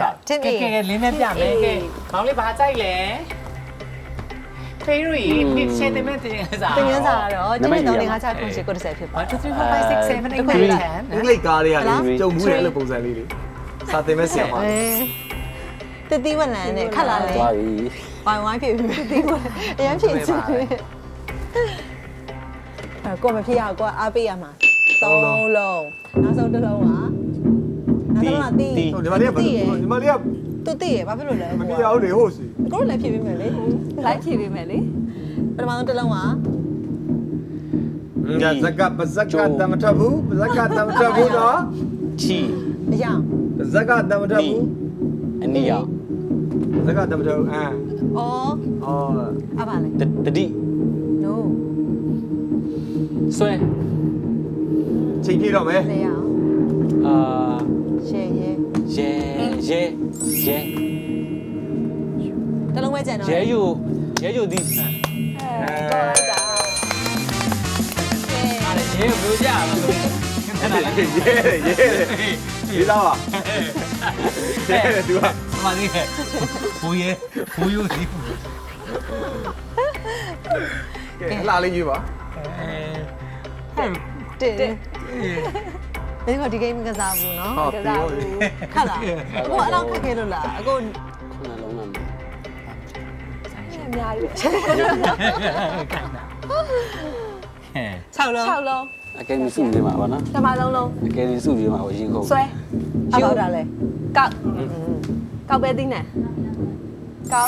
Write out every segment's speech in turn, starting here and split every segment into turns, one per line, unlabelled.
တင်း
ကဲ
အေး
ကဲလင်းနဲ့ပြမယ်ကဲခေါင်းလေးဘာကြိုက်လဲဖေးရီဖိရှင်းတယ်မဲ့တင်စား
တင်ရင်းစားတော့တင်းတင်းတော့ငါချခွင့်ရှိကို30ဖြစ်ပါ
1 2 3 4 5 6 7 8 9 10
အင်္ဂလိပ်ကားတွေကလေကြုံမှုရဲ့အဲ့လိုပုံစံလေးလေစာသင်မဲ့ဆရာမ
တတိဝလန်နဲ့ခက်လာလေ
သွားပြီ
ဝိုင်းဝိုင်းဖြစ်ပြီးတတိဝလန်အရင်ဖြစ်ချင်ကိုမဖြစ်ရကိုအားပေးရမှာ3လုံးနောက်ဆုံးတစ်လုံးကနောက်ဆုံးကတီး
ဟုတ်ဒီမလေးကဒီမလေးက
သူတီးရဘာဖြစ်လို့လဲ
မပြရဘူးလေဟုတ်စီ
ကိုလည်းဖြစ်ပြီးမယ်လေ
လိုက်ဖြေပေးမယ်လေ
ပထမဆုံးတစ်လုံးက
ညဇက်ကပဇက်ကတမထဘူးပဇက်ကတမထဘူးနော်
ချီ
အရာ
ပဇက်ကတမထဘူး
အနီရောင်
ပဇက်ကတမထဘူး
အော်
အော်
အပါလေ
တတိ
no
ဆွဲ
ချိန်ပြေတော့မယ်
လေရအောင်
အာ
ရှယ်ရဲ
ရဲ
တစ်လုံးပဲကြံတော့
ရဲယူသည်
တော့လိုက်တာ
အဲ့ရေဘလို့ကြအောင်
ရေးသားပါသူက
မလေးဘူယူဒီ
ကဲလာလေးကြီးပါ
တင်ဘယ်ကဒီဂိမ်းမကစားဘူးနော်
ဟုတ်ပြီဟုတ်ပြီ
ခက်လားကိုအဲ့လောက်ခက်ခဲလို့လားအကို
ခုနလုံးမှာ
အများကြီးပဲ
6လုံး
6လုံး
အကယ်ဒမီစုပြေးမှာပါနော်
ဓမ္မလုံးလုံး
အကယ်ဒမီစုပြေးမှာကိုရင်ခုန်
ဆွဲ
အဘောက်တာလဲ
ကောက်ကောက်ပဲသိနေကောက်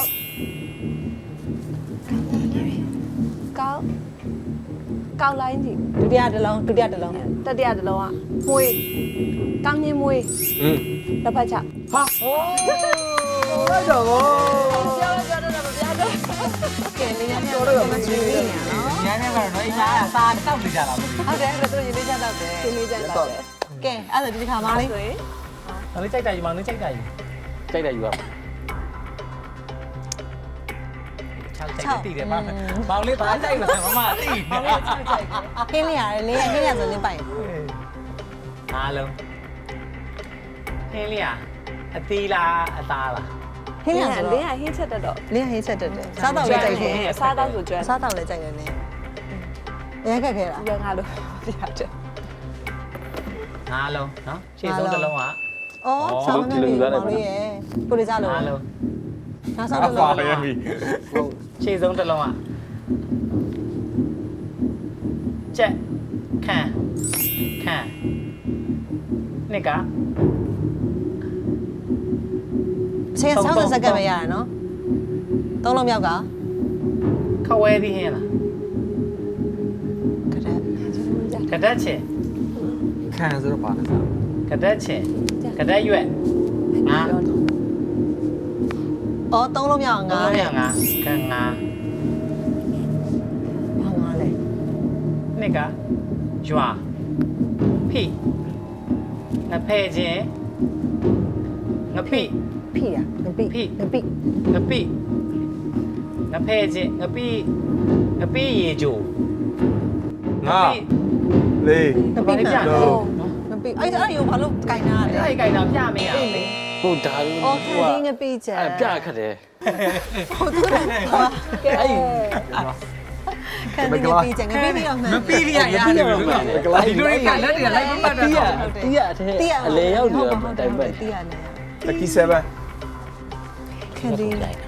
ကောက်လိုင်းကြည့်
ဒုတိယတစ်လုံးဒုတိယတစ်လုံး
တတိယတစ်လုံးကမွေးကောင်းချင်းမွေး တစ်ဖက်ချ
ဟာဟိုးလိုက်တော့ဗော
ပြောတော့မပြောတော့
ကဲလေးရပြောတော့မချွေးနေရနော်
ညနေကတော့အိမ်သားစာတောက်နေကြတာမဟုတ်
ဟုတ်တယ်အဲ့ဒါသူရင်းလေးချက်တော့တယ်
ရှင်းနေကြတော့တယ်
ကဲအဲ့ဒါဒီတစ်ခါမှလေး
ဆိုရင်
ဘူးလေးကြိုက်တာယူမလေးကြိုက်တာယူ
ကြိုက်တယ်ယူပါ
6တိတယ်မောင်လေးဘာကြိုက်လဲမမတိ
ခင်းလေးရတယ်လေးရခင်းရဆိုလင်းပိုင်
အားလုံးဟင်းလေးအသီးလားအသားလား
ခင်းရဆို
လ
တော့
င်းကဟင်းချက်တတ်တော့
လေးရဟင်းချက်တက်တယ်စားတော့လည်းကြိုက်တယ်
စားတော့ဆိုကျွမ်း
စားတော့လည်းကြိုက်တယ်နည်းရခက်ခဲလား
ရငါလို့ပြရတယ်
အားလုံးနော်ရှေ့ဆုံးတစ်လုံးက
အော်စားမနေဘူးမောင်လေးရကိုလေးစားလို့
အားလုံး
နောက်ဆုံးတစ်လုံး
ရပြီ
ဟုတ်ရှေ့ဆုံးတစ်လုံးကကြက်ခန့်နှစ်က
ချိန်60စက္ကန့်ပဲရတယ်နော်သုံးလုံးမြောက်က
ခဝဲသီးဟင်းလား
ကရက်
ကဒတ်ချင်
ခံဆိုတော့ပါလား
ကဒတ်ချင်ကဒတ်ရွက်ငါ
အော်သုံးလုံးမြောက်ငါ
ငါ
တဲ့
ငါကငါ
ဘာငါလဲ
နှစ်ကရွာဖိငဖဲ့ချင်းငပိ
ဖိတာငပိ
ဖိ
ငပိ
ငပိငဖဲ့ချင်းငပိရေဂျို
ငါလေး
ငပိ
ဘာလဲပြ
ပြ
နော်
ငပိအဲ့ဒါရောဘာလို့ကြိုင်တာလဲ
အဲ့ဒီကြိုင်တာပြမရဘူးလေ
ဟုတ်ဒါလို့
အော်ခင်းငပိချက်
အဲ့ပြခတ်တယ်
ဟုတ်တယ်
ကဲ
အဲ့
ခင်းငပိချက်ငပိပြီးတော့မှန်
မပြီးရရတယ်ဘယ်လိုလဲဒီလိုကလက်တွေလိုက်မမှတ်တာ
တီးရအလေရောက်နေတော့တိုင်ပတ်
တီးရနေ
လက်ကီ7
ခင်းဒီ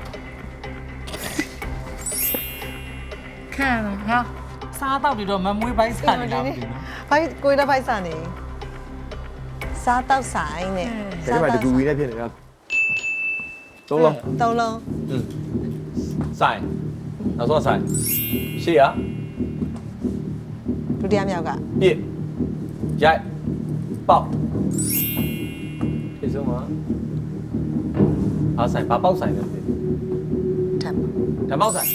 ခံဟာစားတော့ပြီးတော့မမွေးပိုင်းစားနေတာမသိဘူး
ဘိုက်ကိုရဖိုက်စာနေစားတော့ဆိုင်နဲ့
ဒီမှာတကူဝီနဲ့ဖြစ်နေတာသုံးလုံး
သုံးလုံး
ဆိုင်နောက်ဆုံးဆိုင်ရှေ့ရ
ဒုတိယမြောက်က
ပြည့်ရိုက်ပေါက်ဒီဆုံးမှာအားဆိုင်ဘာပေါက်ဆိုင်လဲ
ထပ်
ဓမ္မောက်ဆိုင်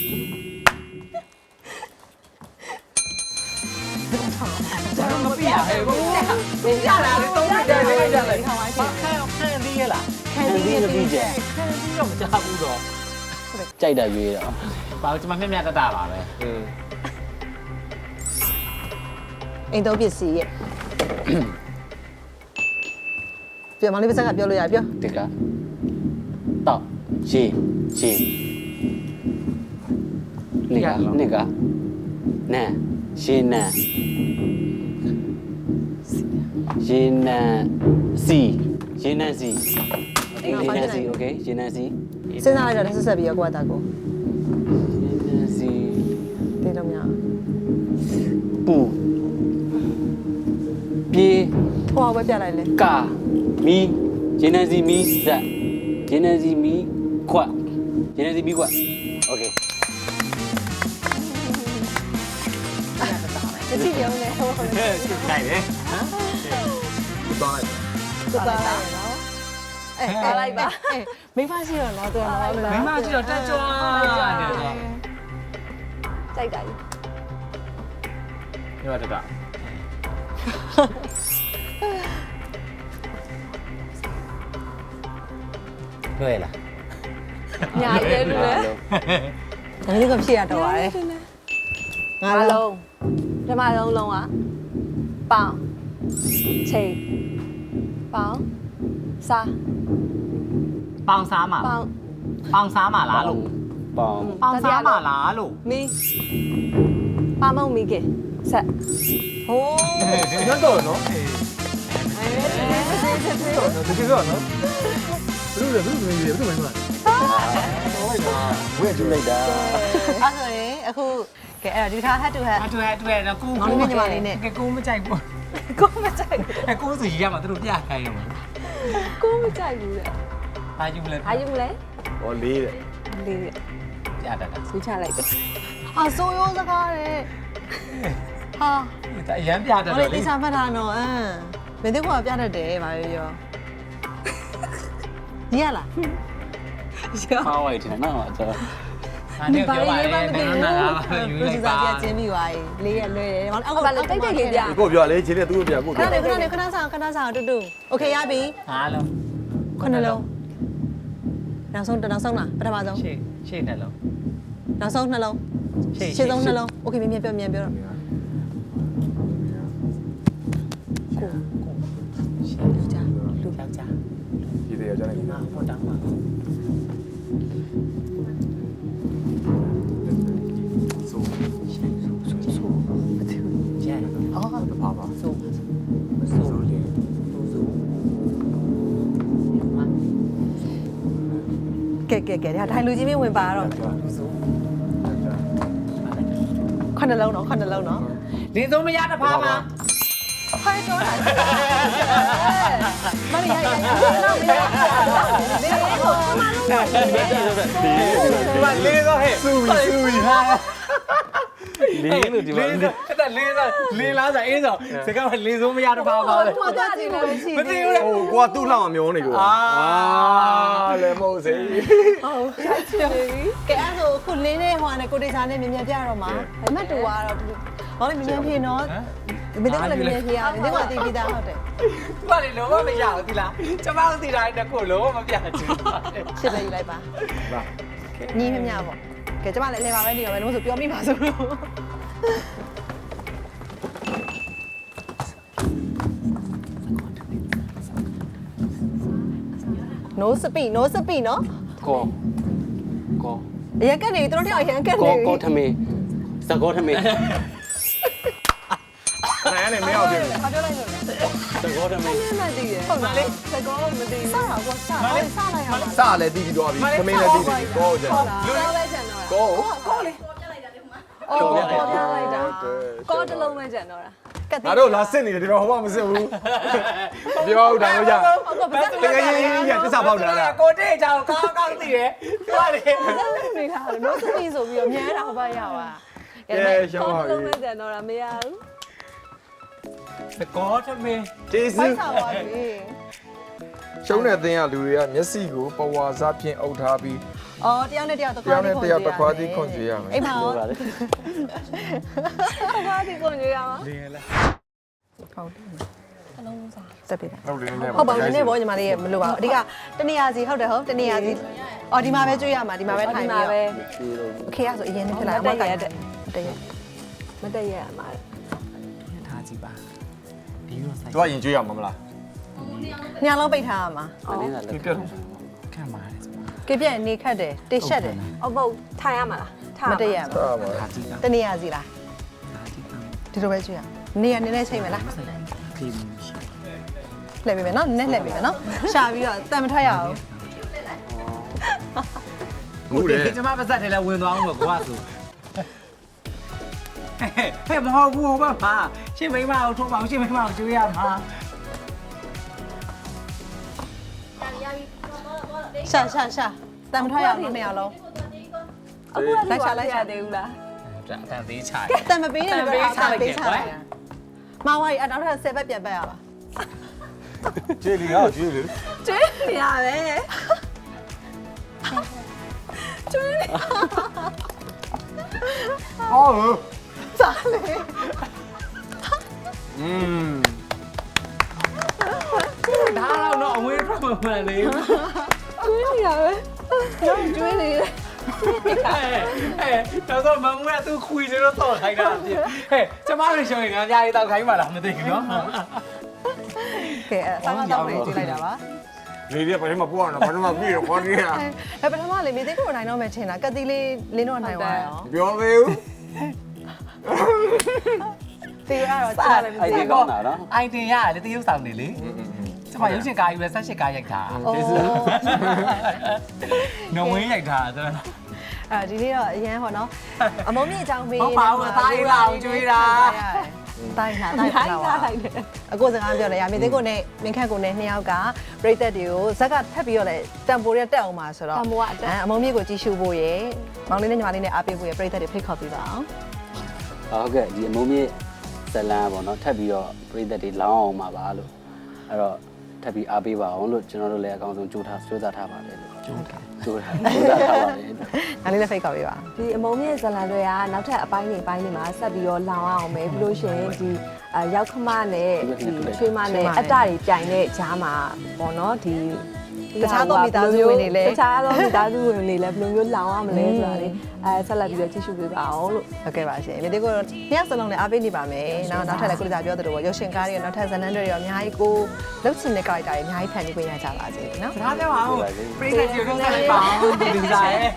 ကျွန်တော်မပြရဘူး
ပြရတာလေတော့ပြတယ်လေကြတယ်
ခေါင်းဝိုင်း
ဘာခံသေးရလား
ခင်းဒီငပိချက်
ခံပြီးတော့မကြဘူးတော့
ကြိုက်တာရွေးတော့
ဘာလို့ကျွန်မမျက်မျက်တတပါပဲ
အိမ်သုံးပစ္စည်းရဲ့ပြောမောင်လေးပါစကပြောလို့ရပြော
တကတောက်ရေနှစ်ကနန်ရေနန်စီโอเคရေနန်စီ
စဉ်းစားလိုက်တော့ဆက်ပြီးတော့ကိုကတာကို
ရေနန်စီ
တေးလို့မရ
ပူပြေး
ဟိုပဲပြလိုက်လေ
ကာမီရေနန်စီမီဇက်ရေနန်စီမီခွတ်ရေနန်စီမီခွတ်โอเค
တတိယုံနဲ့ဟိုဟို
နိုင်တယ်ဟမ်
သွားလိုက်
ကိုတာလိုက်နော်အဲ
လိုက်ပါ
မိမရှိတော့တော့တော်တော့
မိမကြည့်တော့တက်ကြွားတယ်ဆို
ကြိုက်တာကြီး
ဒီမှာတက်တာ
လွယ်လား
ညာရဲလို့လေ
ဒါလေးကဖြစ်ရတော့ပါတယ်ငါ
အား
လုံး
လုံးဓမ္မလုံးကပေါင်ချိန်ပေါင်စား
ပေါင်စားမှာ
ပေါင်
ပေါင်စားမှာလားလို့
ပေါင်
ပေါင်စားမှာလားလို့
မီပါမုံမီကဆက်
ဟိုး
ညတော့နော်တကယ်တော့နော်ဘယ်လိုမင်းလဲ
ဝဲကျူလိုက်တာ
အဲ့ဆိုရင်အခုကဲအဲ့တော့ဒီခါ head to head
တွေ့တော့ကို
မောင်လေးညီမလေးနဲ့
ကိုမကြိုက်ဘူး
ကိုမကြိုက်
ကိုဆိုရရမှာသူတို့ပြခိုင်းရမှာ
ကိုမကြိုက်ဘူးလေ
ဘာယူမလဲ
အားယူမလဲ
ဟောလေးတဲ့
လေး
ပြတတ်တာ
ဆူချလိုက်တယ်
အဆိုးရိုးစကားတဲ့ဟာ
အရန်ပြတတ်
ဟို
တော့
လေး
လေ
တိစားဖတ်တာနော်မင်းတို့ကပြတတ်တယ်ဗာပြောညီရလား
ပါဝိုက်တယ်နော်ကျွန်တော်
အနေပြောပါလေနားပါယူလိုက်ပါ
ပြချင်းပြီးသွားပြီလေးရလွယ်တယ်ဟောအောက်
ဘာလဲတိတ်တိတ်လေးပြ
ကိုပြောလေချင်းနဲ့သူ့ကိုပြကို
ခ
ပြော
ဏနေခဏဆောင်တူတူโอเคရပြီ
ဟာလုံး
ခုနှလုံးနောက်ဆုံးလားပထမဆုံး
ရှေ့နှလုံး
နောက်ဆုံးနှလုံး ရှင်းဆုံးနှလုံးโอเคမြန်ပြောတော့
ရှေ့ယောက်ျား
ဒီတဲ့ကြောင့်လည်း
ငါဟိုတောင်းပါကျန်
အော်
ပါပါ
ဆို
ဆိုလေး
ကဲဒါထိုင်လူကြီးမင်းဝင်ပါတော့ခုနှလုံးနော်
လင်းဆုံးမရတဖားမှာ
ဖိုင်တော့တာမရတော့မရဒီကိုမလုံးပါ
ဘာလေးတော့ဟဲ့
ဆူဝီဟာ
လေးလို့ဒီမှာ
အဲ့ဒါလေးလားဆိုအင်းဆိုစကားကလင်းဆုံးမရတဖားပါလေ
မတော်ကြည့်လို့ရှိ
မသိဘူးလေ
ဟိုကိုကသူ့လောက်အောင်မျောနေကိုလည်းမဟုတ်စေ
ဟုတ်ချစ်ပြီ
ကဲအဲ့ဆိုခုလင်းနဲ့ဟိုနဲ့ကိုတေချာနဲ့မြန်ပြတော့မှာအမတ်တူကတော့ဘာလို့မြန်ဖြေနော်မင်းတို့လည်းမြန်ဖြေရမင်းတို့ကသိပြီးသားဟုတ်တယ်
ဘာလဲလုံးဝမရဘူးဒီလားကျမတို့သိတာတခုလုံးဝမပြချင်ပါ
ရှစ်ပဲယူလိုက်ပါ
ပါ
ညီမြမြပေါ့ကဲကျမလည်းအလဲပါပဲနေရောပဲလို့ဆိုပြောမိပါဆိုလို့no speed နော်
ကော
အရင်ကနေတို့တယောက်အရင်ကနေ
ကောထမင်းစကောထမင်း
နိုင်နေမရောက်ဘူး
ဘာပြောလိုက်လို့လဲ
စကောထမင်း
နည်းနည်းတည်တယ်
ဟုတ်လားလေ
စကောမသိ
စတာကောစလိုက်ရမှာ
စလည်းတီးပြီးသွားပြီသမင်းလည်းတီးပြီကိုကြ
ဘူးကောပဲကျန်တော့
ကို
ကောလေ
အော်ကောပြလိုက်တာကောတစ်လုံးပဲကျန်တော့တာ
ငါတို့လာစစ်နေတယ်ဒီတော့ဟောမစစ်ဘူးပြောဦးတာလို့ကြတကယ်ကြီးရတစ္ဆာပေါက်တာလား
ကိုတေးချောင်းကောင်းကောင်းသိတယ်ဟုတ်တယ်
နေထားလို့ no speed ဆိုပြီးတော့မြဲတာဘာရပါ
ရှောင်း
ကော
ပါ
တစ်လုံးပဲ
ပြီ
ကျန်တော့တာမရဘူး
စကောထမင်း
ကျေးဇူး
ဖိုက်ဆောင်ပါပြီ
ရှုံးတဲ့တင်းရလူတွေကမျက်စိကိုပဝါစားဖြင့်အုပ်ထားပြီး
အော်တယောက်နဲ့တယောက်တစ်ခါ
တယောက်နဲ့တယောက်တစ်ခွားစီခွန်ကြရမယ်
အိမ်မှာ
ပြောပါလေ
ဘာဒီကိုညရမှာ
လင်းလား
ဟုတ်တယ်အလုံးလုံးစားတက်ပြီ
ဟုတ်တယ်နဲ့
ဟုတ်ပါဘူးနည်းနည်းပေါ့ညီမလေးမလိုပါဘူးအဓိကတနေရာစီဟုတ်တယ်ဟုတ်တနေရာစီအော်ဒီမှာပဲကျွေးရမှာဒီမှာပဲထိုင်ပြီးတော့
ဒီလို
โอเคအဲ့ဆိုအရင်နဲ့ဖြစ်လာအမကတက်တက်
မတည့်ရမှာ
ထားကြည့်ပါဒီရောဆိုင်
သူကရင်ကျွေးရမှာမလား
ညလုံးပိတ်ထားရမှာ
နည်းနည်းလက်ခံ
ခံပါတယ်
ကပြည့်နေခတ်တယ်တေရှက်တယ်
အမဟုတ်ထိုင်ရမှာလားထား
မတည့်ရ
ဟာ
ဘူး
ပါ
ခါကြည့်တာ
တနေရစီလားဒီလိုပဲကြည့်ရနေရနည်းနည်းချိန်မလား
ခေမှုရှိ
လှည့်ပေးမယ်နော်နည်းနည်းလှည့်ပေးမယ်နော်ရှာပြီးတော့တန်မထွက်ရအောင်
ဟုတ်တယ်
ကျမပါစက်တယ်လည်းဝင်သွားအောင်ပဲကွာဆိုဟဲ့မဟုတ်ဘူးဟောပါရှင်းမိမအောင်ထိုးပါအောင်ရှင်းမိမအောင်ကျွေးရမှာ
ရှာတန်မထွက်ရအောင်နှစ်ယောက်လုံး
အခုကလိုက်ချလိုက်ရသေးဘူးလား
အတန်သေးချာ
တန်မပေးနဲ့ပဲအားပေးချလိုက်မဝါရီအနောက်ထပ်10ဘက်ပြန်ပတ်ရပါ
ကျေးလီဟာကျေးလီ
ကျွေးနေရပဲကျွေးနေ
ဟော
စားလေ
ဒါတော့အဝေးထွက်မှမှန်လေ
ကျွေးနေရပဲကျွေးနေတယ်
တော့တော့မမူကသူခွေနေတော့ခိုင်းတာပြဟဲ့ကျမတို့ရှောင်းရင်ငါကြားရေးတော့ခိုင်းပါလားမသိဘူးနော်
ကဲအဲ့ဆောင်းတော့လေးကြည့်လိုက်တာပါ
လေဒီကဘာမှမပူအောင်ဘာမှမပြီးတော့ခေါ်နေရ
အဲ့ပထမလေးမြေသိကိုနိုင်တော့မယ်ထင်တာကတိလေးလင်းတော့နိုင်သွားရော
ပြောသေးဘူး
တီရတော့ကြားလည်းမ
အဲ့
သိ
ဒီ
ဘူး
ကောင်းတာနော်
အိုင်တင်ရတယ်တရုပ်ဆောင်နေလေကျမရုပ်ရှင်ကားကြီးပဲ18ကားရိုက်တာနော်ဝင်းရိုက်တာဆိုတော့
ဒီနေ့တော့အရန်ဟောနော်အမုံမြင့်အကြောင်းပေး
ဟုတ်ပါဘူးသားရေးလာအောင်ကျွေးတာ
တိုင်းလာတိုင်းလာပါအကိုစကားပြောလဲရမြေသိကိုနဲ့မင်းခန့်ကိုနဲ့နှစ်ယောက်ကပြိသက်တွေကိုဇက်ကထပ်ပြီးတော့လဲတံပိုးရက်တက်အောင်ပါဆိုတော့အမုံမြင့်ကိုကြီးရှုဖို့ရယ်မောင်လေးနဲ့ညီမလေးနဲ့အားပေးဖို့ရယ်ပြိသက်တွေဖိတ်ခေါ်ပေးပါအောင်
ဟုတ်ကဲ့ဒီအမုံမြင့်ဇလန်ပေါ့နော်ထပ်ပြီးတော့ပြည်သက်တွေလောင်းအောင်ပါပါလို့အဲ့တော့ထပ်ပြီးအားပေးပါအောင်လို့ကျွန်တော်တို့လည်းအကောင်းဆုံးကြိုးစားထားပါတယ်လို့ကြိုးထားပါတယ်
ဒါလေးလည်းဖိတ်ခေါ်ပေးပါ
ဒီအမုံမြင့်ဇလန်တွေကနောက်ထပ်အပိုင်းတွေမှာဆက်ပြီးတော့လောင်အောင်မယ်ပြီးလို့ရှိရင်ဒီရောက်ခမနဲ့ဒီချွေးမနဲ့အတ္တတွေပြိုင်တဲ့ဂျားမှာပေါ့နော်ဒီတခြားသောမိသားစုဝင်တွေလည်းဘယ်လိုမျိုးလောင်ရမလဲဆိုတာလေဆက်လက်ပြီးတော့ကြည့်ရှုပေးပါအောင်လို့
ဟုတ်ကဲ့ပါရှင်မြေသိကိုနှစ်ယောက်စလုံးလည်းအားပေးနေပါမယ်နောက်ထပ်လည်းကိုလေးသာပြောသလိုပေါ့ရုပ်ရှင်ကားတွေနောက်ထပ်ဇလန်တွေရောအများကြီးကိုလှုပ်ချင်တဲ့ character တွေအများကြီးဖန်တီးခွင့်ရကြပါစေနော်
ဒါပြောပါဦးပရိသတ်ကြီးတို့ဆက်လိုက်ပါအောင်ဒီလူစားရဲ့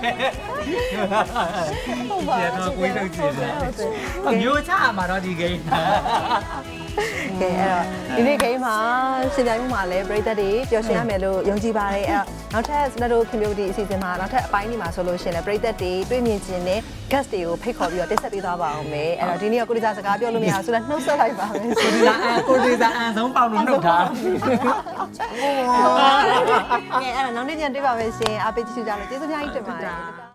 ဟုတ်ပါတော့ကိုယ်ထုတ်ကြည့်တယ်မျိုးချမှာတော့ဒီဂိမ်း
ကဲအဲ့တော့ဒီနေ့ game မှာရှင်ပြိုင်မှုမှာလည်းပရိသတ်တွေပျော်ရွှင်ရမယ်လို့ယုံကြည်ပါတယ်အဲ့တော့နောက်ထပ်စနတို့ community အစီအစဉ်မှာနောက်ထပ်အပိုင်းဒီမှာဆိုလို့ရှင်လည်းပရိသတ်တွေတွေ့မြင်ခြင်းနဲ့ guest တွေကိုဖိတ်ခေါ်ပြီးတော့တက်ဆက်ပေးသွားပါအောင်မယ်အဲ့တော့ဒီနေ့ကကိုလေးစားစကားပြောလို့မရဘူးဆိုတော့နှုတ်ဆက်လိုက်ပါမယ်
ကိုဒီစားအန်ဆုံးပေါင်လို့နှုတ်ထား
ကဲအဲ့တော့နောက်နေ့ကျရင်တွေ့ပါမယ်ရှင်အားပေးကြည့်ကြလို့ကျေးဇူးများကြီးတင်ပါတယ်